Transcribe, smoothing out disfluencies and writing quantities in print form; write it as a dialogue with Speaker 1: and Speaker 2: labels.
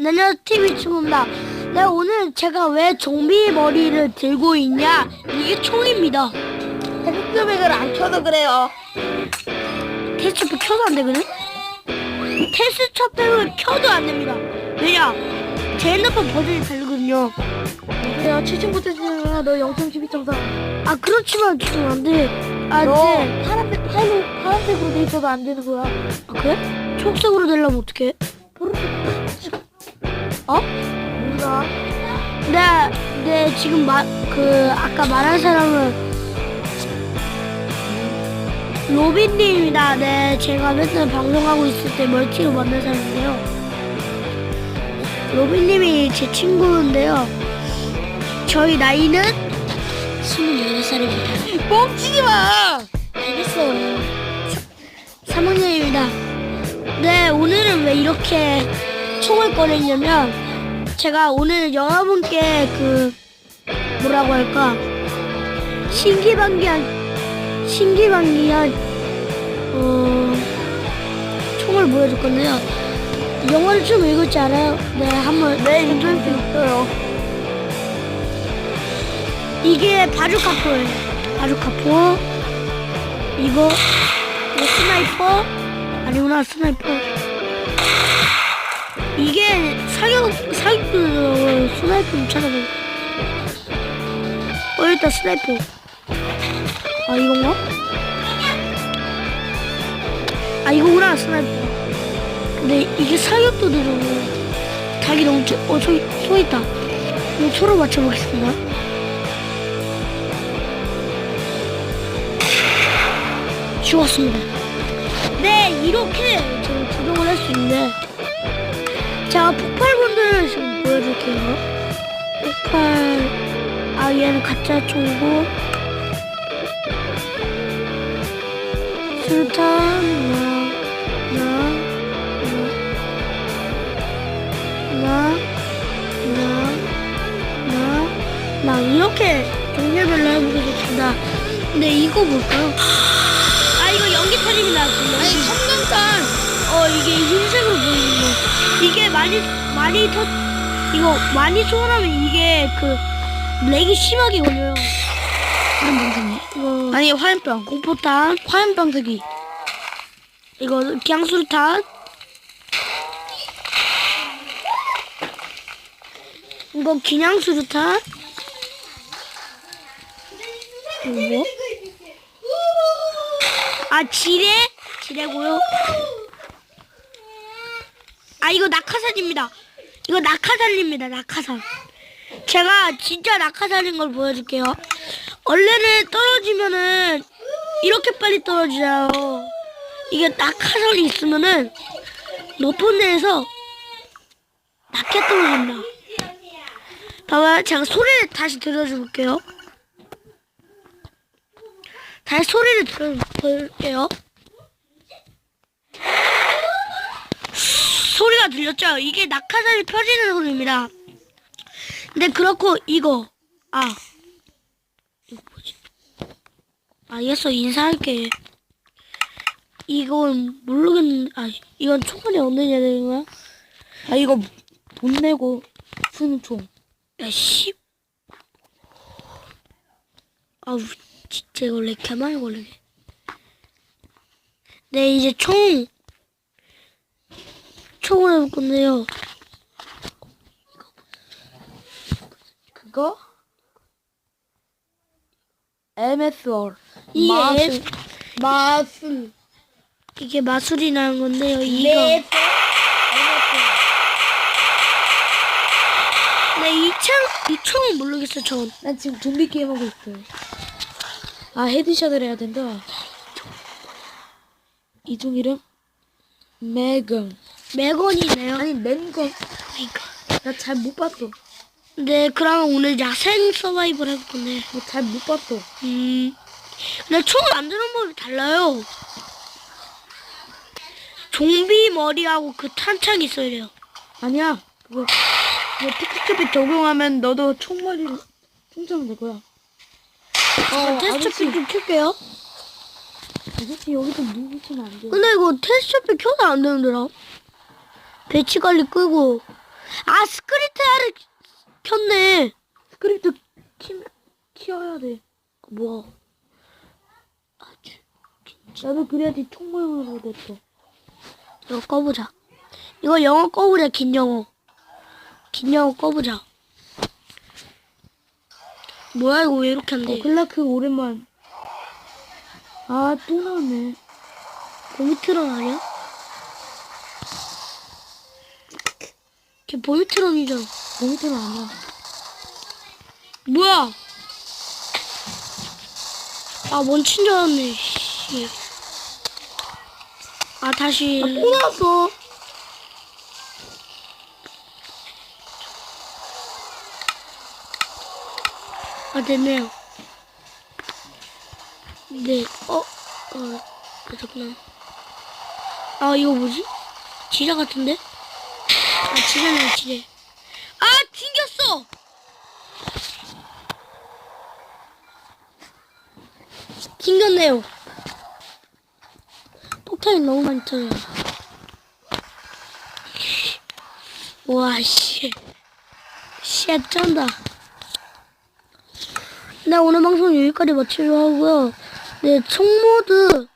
Speaker 1: 안녕하세요, TV 친구입니다. 네, 오늘 제가 왜 좀비 머리를 들고 있냐? 이게 총입니다.
Speaker 2: 테스트백을 안 켜서 그래요.
Speaker 1: 테스트백 켜도 안 되거든? 테스트백을 켜도 안 됩니다. 왜냐? 제 핸드폰 버전이 다르거든요.
Speaker 2: 그래요. 7층부터 너 0.12.4.
Speaker 1: 아, 그렇지만 지금 안 돼. 아,
Speaker 2: 너
Speaker 1: 네.
Speaker 2: 파란색으로 돼 있어도 안 되는 거야.
Speaker 1: 아, 그래? 초록색으로 되려면 어떡해? 어?
Speaker 2: 몰라.
Speaker 1: 네, 지금 아까 말한 사람은 로빈님입니다. 네, 제가 맨날 방송하고 있을 때 멀티로 만난 사람인데요. 로빈님이 제 친구인데요. 저희 나이는 28살입니다.
Speaker 2: 뻥치지 마!
Speaker 1: 알겠어요. 3학년입니다. 네, 오늘은 왜 이렇게 총을 꺼냈냐면, 제가 오늘 여러분께 뭐라고 할까, 신기반기한 총을 보여줄 건데요. 영어를 좀 읽을 줄 알아요? 네, 한번.
Speaker 2: 네, 인터넷 있어요.
Speaker 1: 이게 바주카포예요. 바주카포. 이거 스나이퍼. 아니구나, 스나이퍼. 이게 스나이퍼 좀 찾아봐. 일단 스나이퍼. 아, 이건가? 아, 이거구나, 스나이퍼. 근데 이게 사격도 느리고 닭이 너무 소 있다. 이거 소로 맞춰보겠습니다. 죽었습니다. 네, 이렇게 저는 구동을 할 수 있는데, 제가 폭발본들을 지금 보여줄게요. 얘는 가짜 총이고, 수류탄, 이렇게 종류별로 해보겠습니다. 근데 이거 뭘까요? 아, 이거 연기탄입니다.
Speaker 2: 아니, 성능탄!
Speaker 1: 이게 흰색으로 보이는 거. 이게 많이 소원하면 이게 렉이 심하게 걸려요. 이거
Speaker 2: 아니, 화염병.
Speaker 1: 공포탄,
Speaker 2: 화염병 쓰기.
Speaker 1: 이거 기양수류탄, 이거 기냥수류탄, 이거 지뢰고요. 아, 이거 낙하산입니다. 이거 낙하산입니다. 낙하산. 제가 진짜 낙하산인 걸 보여줄게요. 원래는 떨어지면은 이렇게 빨리 떨어지잖아요. 이게 낙하산이 있으면은 높은 데에서 낮게 떨어집니다. 봐봐요. 제가 소리를 다시 들려줄게요. 다시 소리를 들려볼게요. 소리가 들렸죠? 이게 낙하산이 펴지는 소리입니다. 근데 그렇고 이거 뭐지? 알겠어, 인사할게. 이건 모르겠는데, 이건 총알이 없느냐 되는 거야?
Speaker 2: 아, 이거 돈 내고 쓰는 총.
Speaker 1: 야, 아우, 진짜 이거 렉 개많이 걸리네. 네, 이제 총을 해볼 건데요.
Speaker 2: 그거? MSR.
Speaker 1: 이게
Speaker 2: 마술.
Speaker 1: 이게 마술이 나는 건데요. 이거. 네, 이 총은 모르겠어요, 전.
Speaker 2: 난 지금 좀비 게임 하고 있어요. 헤드샷을 해야 된다. 이 총 이름?
Speaker 1: 매건이네요.
Speaker 2: 아니, 맨건.
Speaker 1: 그러니까.
Speaker 2: 나 잘 못 봤어.
Speaker 1: 네, 그러면 오늘 야생 서바이벌 해볼 건데.
Speaker 2: 잘 못 봤어.
Speaker 1: 근데 총 만드는 법이 달라요. 좀비 머리하고 탄창이 있어야 돼요.
Speaker 2: 아니야. 그거 테스트팩 적용하면 너도 총알을 충전이 될 거야.
Speaker 1: 테스트팩 좀 켤게요.
Speaker 2: 아저씨 여기서 누구시면 안 돼.
Speaker 1: 근데 이거 테스트팩 켜도 안 되는데라. 배치 관리 끄고. 아, 스크립트를 켰네.
Speaker 2: 스크립트 키워야 돼.
Speaker 1: 뭐.
Speaker 2: 나도 그래야지 총모형으로 됐어.
Speaker 1: 이거 꺼보자. 이거 영어 꺼보자, 긴 영어. 긴 영어 꺼보자. 뭐야, 이거 왜 이렇게 안 돼?
Speaker 2: 클라크 오랜만. 아, 또 나왔네.
Speaker 1: 보미트론 아니야? 걔 보미트론이잖아.
Speaker 2: 모니터는 아니야.
Speaker 1: 뭐야? 아, 멈춘 줄 알았네, 씨. 아, 다시.
Speaker 2: 아, 또 나왔어.
Speaker 1: 아, 됐네요. 네, 됐구나. 아, 이거 뭐지? 지뢰 같은데? 아, 지뢰네, 지뢰. 아, 튕겼어! 튕겼네요. 폭탄이 너무 많이 터져요. 와, 씨. 쉣, 쩐다. 네, 오늘 방송 여기까지 마치려 하고요. 네, 총모드